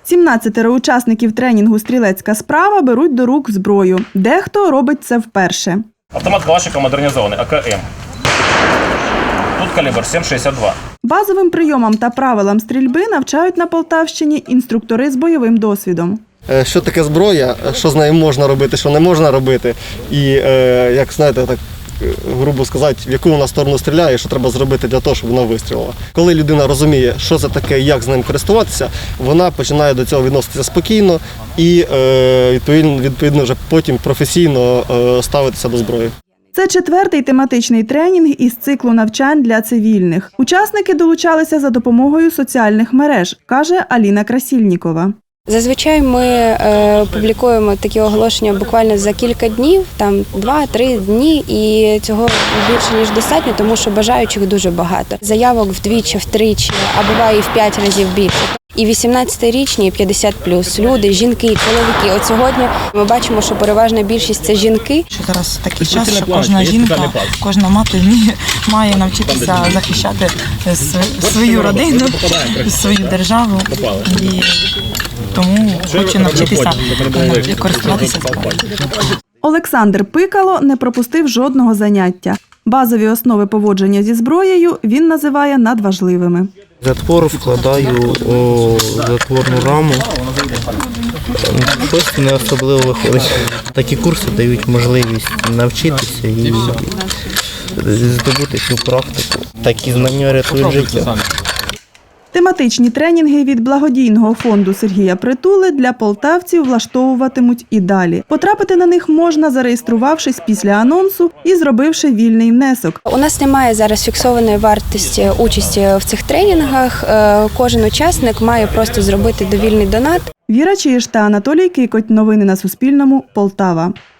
17 учасників тренінгу «Стрілецька справа» беруть до рук зброю. Дехто робить це вперше. Автомат Калашникова модернізований, АКМ. Тут калібр 7,62. Базовим прийомам та правилам стрільби навчають на Полтавщині інструктори з бойовим досвідом. Що таке зброя, що з нею можна робити, що не можна робити. І, як знаєте, так грубо сказати, в яку вона сторону стріляє, і що треба зробити для того, щоб вона вистрілила. Коли людина розуміє, що це таке, як з ним користуватися, вона починає до цього відноситися спокійно і відповідно вже потім професійно ставитися до зброї. Це 4-й тематичний тренінг із циклу навчань для цивільних. Учасники долучалися за допомогою соціальних мереж, каже Аліна Красільнікова. Зазвичай ми публікуємо такі оголошення буквально за кілька днів, там 2-3 дні, і цього більше ніж достатньо, тому що бажаючих дуже багато. Заявок вдвічі, втричі, а буває і в 5 разів більше. І 18-річні, і 50+, люди, жінки, чоловіки. От сьогодні ми бачимо, що переважна більшість – це жінки. Що зараз такий час, що кожна жінка, кожна мати має навчитися захищати свою родину, свою державу. І тому хочу навчитися користуватися зброєю. Олександр Пикало не пропустив жодного заняття. Базові основи поводження зі зброєю він називає надважливими. Затвор вкладаю у затворну раму. Щось не особливо виходить. Такі курси дають можливість навчитися і здобути цю практику. Такі знання рятують життя. Тематичні тренінги від благодійного фонду Сергія Притули для полтавців влаштовуватимуть і далі. Потрапити на них можна, зареєструвавшись після анонсу і зробивши вільний внесок. У нас немає зараз фіксованої вартості участі в цих тренінгах. Кожен учасник має просто зробити довільний донат. Віра Чиж та Анатолій Кикоть. Новини на Суспільному. Полтава.